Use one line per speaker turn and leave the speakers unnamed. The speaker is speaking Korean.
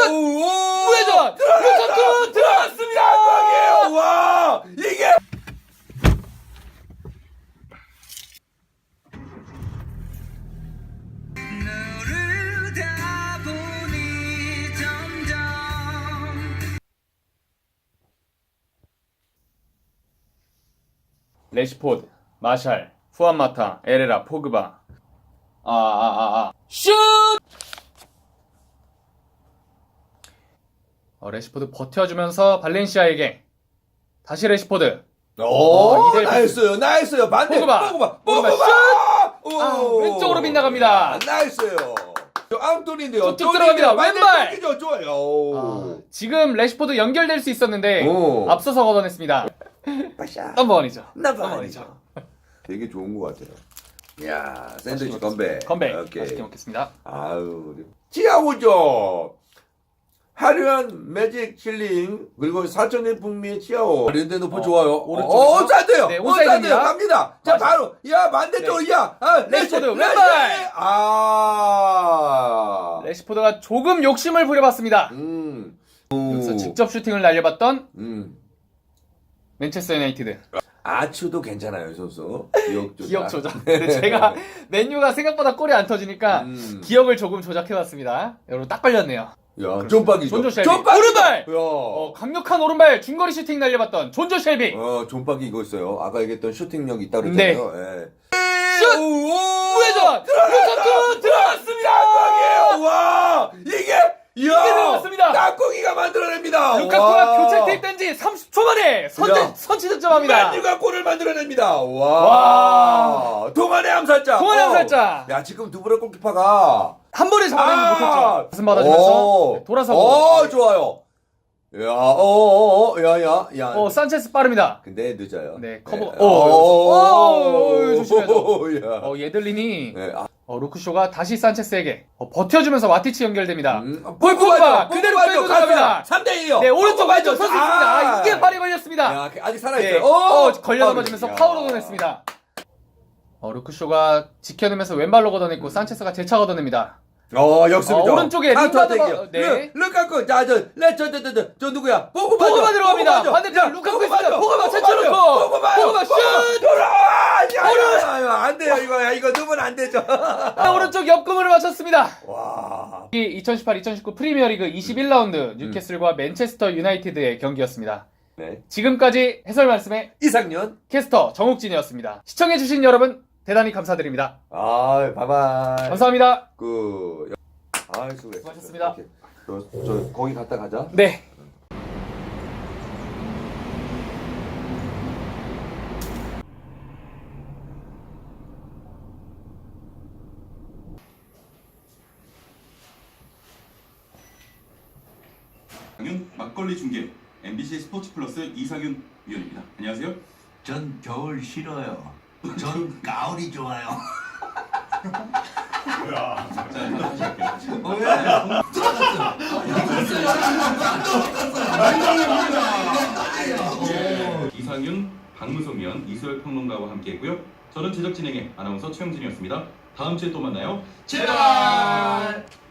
무회전 루카쿠 들어갔습니다.
깜빡이에요. 와 이게
레시포드, 마샬, 후안마타, 에레라, 포그바. 슛! 레시포드 버텨주면서 발렌시아에게 다시 레시포드. 이대일
나이스요. 반대.
포그바 슛! 왼쪽으로 빗나갑니다.
나이스요. 앙토니인데요.
쭉 들어갑니다. 왼발.
왼발. 좋아요.
지금 레시포드 연결될 수 있었는데 앞서서 걷어냈습니다.
빠샤.
넘버원이죠.
넘버원이죠. 되게 좋은 것 같아요. 야, 샌드위치 건배.
오케이. 맛있게 먹겠습니다.
아유, 치아오죠. 화려한 매직 힐링 그리고 4천년 풍미의 치아오. 랜드 높은 좋아요.
오른쪽에서.
싸대요.
네, 오사이드입니다.
갑니다. 자, 바로 야 반대쪽
네.
야.
레시포드 왼발. 레시포드가 조금 욕심을 부려봤습니다. 여기서 직접 슈팅을 날려봤던 맨체스터 유나이티드.
아추도 괜찮아요, 선수.
기억 조작. 근데 제가 맨유가 생각보다 골이 안 터지니까 기억을 조금 조작해봤습니다. 여러분 딱 걸렸네요.
야, 존박이죠.
존조 쉘비. 오른발!
야.
강력한 오른발 중거리 슈팅 날려봤던 존조 쉘비.
존박이 이거 있어요. 아까 얘기했던 슈팅력 있다고 그랬잖아요. 네.
슛! 무회전! 루카쿠 들어갔습니다!
깜빡이에요! 와! 이게
들어갔습니다!
깍꿍이가 만들어냅니다!
루카쿠가 교체 투입된 지 30초 만에 선취 득점합니다.
맨유가 골을 만들어냅니다! 와! 동안의 암살자! 야, 지금 두브라 골키퍼가
한 번에 잡아내지 못했죠. 가슴 받아주면서 돌아서고.
좋아요. 야.
산체스 빠릅니다.
근데 늦어요.
네, 커버.
네.
조심해야죠. 예들린이 루크쇼가 다시 산체스에게 버텨주면서 와티치 연결됩니다. 포그바 그대로 끌고 들어갑니다.
3대2요.
네, 오른쪽 왼쪽 선수 있습니다. 이게 발이 걸렸습니다.
야, 아직 살아있어요.
네. 걸려 넘어지면서 파울을 얻어냈습니다. 루크쇼가 지켜내면서 왼발로 걷어냈고 산체스가 재차 걷어냅니다.
역습이죠.
오른쪽에 링가드가
루카쿠 저 누구야?
포그바 들어갑니다. 반대편 루카쿠 있습니다. 포그바 제쳐놓고 포그바 슛!
안 돼요. 이거 넣으면 안 되죠.
오른쪽 옆금을 맞췄습니다.
와.
2018-2019 프리미어리그 21라운드 뉴캐슬과 맨체스터 유나이티드의 경기였습니다.
네.
지금까지 해설 말씀의
이상년
캐스터 정욱진이었습니다. 시청해주신 여러분 대단히 감사드립니다.
바이바이.
감사합니다.
수고하셨습니다. 저 거기 갔다 가자.
네.
막걸리 중계 MBC 스포츠 플러스 이상윤 위원입니다. 안녕하세요.
전 겨울 싫어요. 전 가을이 좋아요.
이상윤, 박무성 위원, 이소열 평론가와 함께했고요. 저는 제작 진행의 아나운서 최영진이었습니다. 다음 주에 또 만나요.
제발.